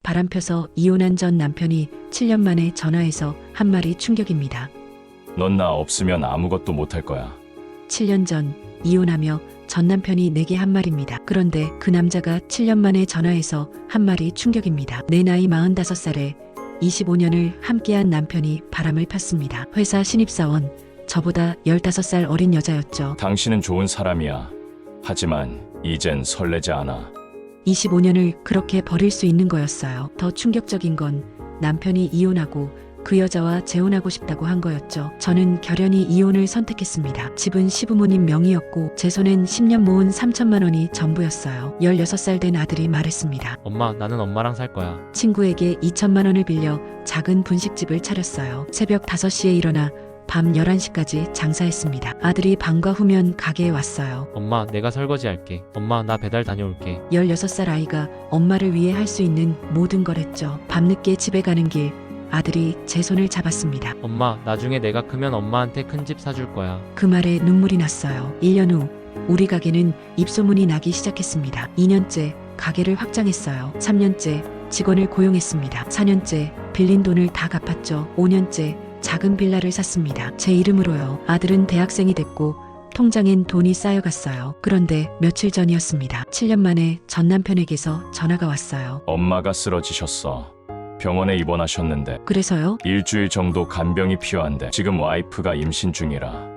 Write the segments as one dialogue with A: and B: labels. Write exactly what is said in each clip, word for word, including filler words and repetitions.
A: 바람 펴서 이혼한 전 남편이 칠 년 만에 전화해서 한 말이 충격입니다.
B: 넌 나 없으면 아무것도 못할 거야.
A: 칠 년 전 이혼하며 전 남편이 내게 한 말입니다. 그런데 그 남자가 칠 년 만에 전화해서 한 말이 충격입니다. 내 나이 마흔다섯 살에 이십오 년을 함께한 남편이 바람을 폈습니다. 회사 신입사원, 저보다 열다섯 살 어린 여자였죠.
B: 당신은 좋은 사람이야. 하지만 이젠 설레지 않아.
A: 이십오 년을 그렇게 버릴 수 있는 거였어요. 더 충격적인 건 남편이 이혼하고 그 여자와 재혼하고 싶다고 한 거였죠. 저는 결연히 이혼을 선택했습니다. 집은 시부모님 명의였고 제 손엔 십 년 모은 삼천만 원이 전부였어요. 열여섯 살 된 아들이 말했습니다.
C: 엄마, 나는 엄마랑 살 거야.
A: 친구에게 이천만 원을 빌려 작은 분식집을 차렸어요. 새벽 다섯 시에 일어나 밤 열한 시까지 장사했습니다. 아들이 방과 후면 가게에 왔어요.
C: 엄마, 내가 설거지 할게. 엄마, 나 배달 다녀올게.
A: 열여섯 살 아이가 엄마를 위해 할 수 있는 모든 걸 했죠. 밤늦게 집에 가는 길 아들이 제 손을 잡았습니다.
C: 엄마, 나중에 내가 크면 엄마한테 큰 집 사줄 거야.
A: 그 말에 눈물이 났어요. 일 년 후 우리 가게는 입소문이 나기 시작했습니다. 이 년째 가게를 확장했어요. 삼 년째 직원을 고용했습니다. 사 년째 빌린 돈을 다 갚았죠. 오 년째 작은 빌라를 샀습니다. 제 이름으로요. 아들은 대학생이 됐고 통장엔 돈이 쌓여갔어요. 그런데 며칠 전이었습니다. 칠 년 만에 전 남편에게서 전화가 왔어요.
B: 엄마가 쓰러지셨어. 병원에 입원하셨는데
A: 그래서요?
B: 일주일 정도 간병이 필요한데 지금 와이프가 임신 중이라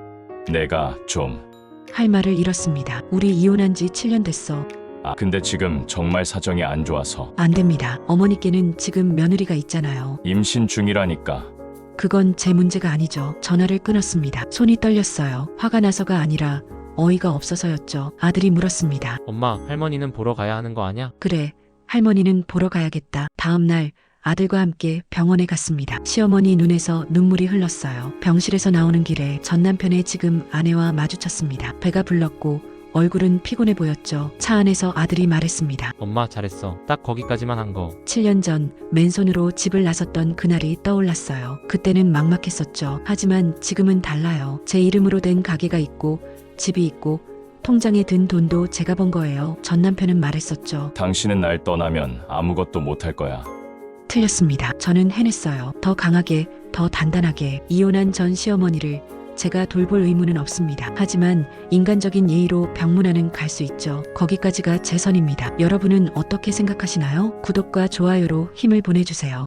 B: 내가 좀...
A: 할 말을 잃었습니다. 우리 이혼한 지 칠 년 됐어.
B: 아 근데 지금 정말 사정이 안 좋아서.
A: 안 됩니다. 어머니께는 지금 며느리가 있잖아요.
B: 임신 중이라니까.
A: 그건 제 문제가 아니죠. 전화를 끊었습니다. 손이 떨렸어요. 화가 나서가 아니라 어이가 없어서였죠. 아들이 물었습니다.
C: 엄마, 할머니는 보러 가야 하는 거 아냐?
A: 그래, 할머니는 보러 가야겠다. 다음 날 아들과 함께 병원에 갔습니다. 시어머니 눈에서 눈물이 흘렀어요. 병실에서 나오는 길에 전 남편의 지금 아내와 마주쳤습니다. 배가 불렀고 얼굴은 피곤해 보였죠. 차 안에서 아들이 말했습니다.
C: 엄마, 잘했어. 딱 거기까지만 한 거.
A: 칠 년 전 맨손으로 집을 나섰던 그날이 떠올랐어요. 그때는 막막했었죠. 하지만 지금은 달라요. 제 이름으로 된 가게가 있고 집이 있고 통장에 든 돈도 제가 번 거예요. 전 남편은 말했었죠.
B: 당신은 날 떠나면 아무것도 못할 거야.
A: 틀렸습니다. 저는 해냈어요. 더 강하게, 더 단단하게. 이혼한 전 시어머니를 제가 돌볼 의무는 없습니다. 하지만 인간적인 예의로 병문안은 갈 수 있죠. 거기까지가 제 선입니다. 여러분은 어떻게 생각하시나요? 구독과 좋아요로 힘을 보내주세요.